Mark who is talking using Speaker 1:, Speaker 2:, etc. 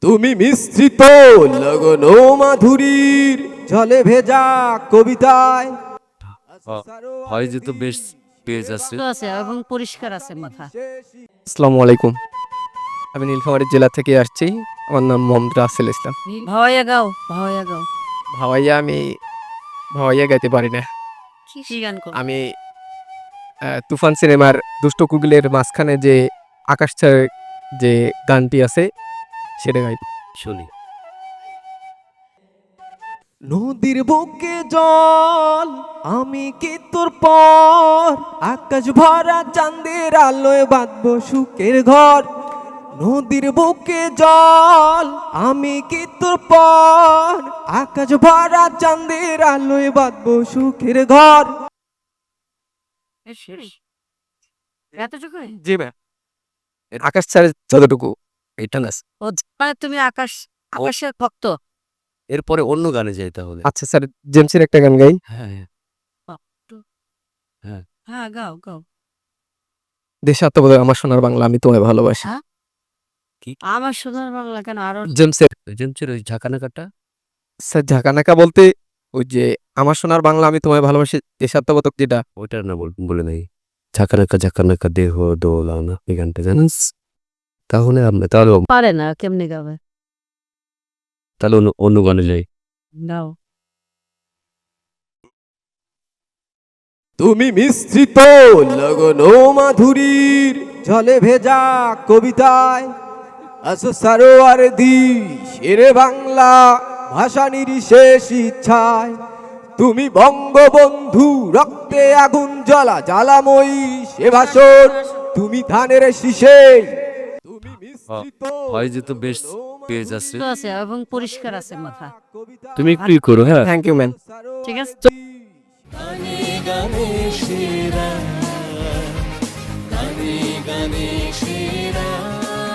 Speaker 1: তুমি মিশ্রিত লগন মাধুরীর জলে ভেজা কবিতায়
Speaker 2: হয় যে তো বেশ পেজ আছে।
Speaker 3: আছে এবং পরিষ্কার আছে মাথা।
Speaker 4: আসসালামু আলাইকুম। আমি নীলফামারী জেলা থেকে আসছি। আমার নাম মোহাম্মদ রাসেল ইসলাম।
Speaker 3: ভাওয়াইয়া গাও, ভাওয়াইয়া গাও।
Speaker 4: আমি ভাওয়াইয়া গাইতে পারি না।
Speaker 3: কি গান করো?
Speaker 4: আমি তুফান সিনেমার দুষ্ট কুকিলের মাঝখানে যে আকাশ ছাড় যে গানটি আছে সেটা গাই।
Speaker 2: শুনি।
Speaker 1: নদীর বুকে জল আমি কি তোর পর আকাশ ভরা চাঁদের আলোয় বাঁধবো সুখের ঘর। নদীর বুকে জল আমি কি তোর পর আকাশ ভরা চাঁদের আলোয় বাঁধবো সুখের ঘর।
Speaker 3: এতটুকু?
Speaker 4: জি ভাই। আকাশ ছাড় যতটুকু এটা না।
Speaker 3: ও মানে তুমি আকাশের ভক্ত?
Speaker 2: এরপরে অন্য গানে যাই তাহলে।
Speaker 4: আচ্ছা স্যার, জেমসের একটা গান গাই।
Speaker 2: হ্যাঁ হ্যাঁ হ্যাঁ।
Speaker 3: হ্যাঁ গাও গাও।
Speaker 4: দেশে আত্মবোধক আমার সোনার বাংলা আমি তোমায় ভালোবাসি।
Speaker 3: হ্যাঁ? আমার সোনার বাংলা কেন আরো
Speaker 4: জেমসের
Speaker 2: এজেন্সির ওই ঝাঁকানাকাটা
Speaker 4: স্যার ঝাঁকানাকা বলতে ওই যে আমার সোনার বাংলা আমি তোমায় ভালোবাসি দেশাত্মবোধক যেটা।
Speaker 2: ওইটার না বলে নাই। ঝাঁকানাকা ঝাঁকানাকা দেহ দোলানা এই গানটা জানেন? তাহলে
Speaker 3: পারে না, কেমনে গাবে?
Speaker 2: অন্য গানে যাই।
Speaker 3: গাও।
Speaker 1: তুমি মিশ্রিত লগন মাধুরীর জলে ভেজা কবিতায় আসো সারোয়ার দি শেরে বাংলা ভাষা নির্শেষ ইচ্ছায়। তুমি বঙ্গবন্ধু রক্তে আগুন জ্বলা জ্বালাময়ী সে ভাষণ তুমি ধানের শীষে। তুমি মিশ্রিত
Speaker 2: হয় যে তো বেশ পেজ আছে।
Speaker 3: আছে এবং পরিষ্কার আছে মাথা।
Speaker 2: তুমি একটু করো। হ্যাঁ
Speaker 4: থ্যাংক ইউ ম্যান।
Speaker 3: ঠিক আছে।
Speaker 5: গানে গানে সেরা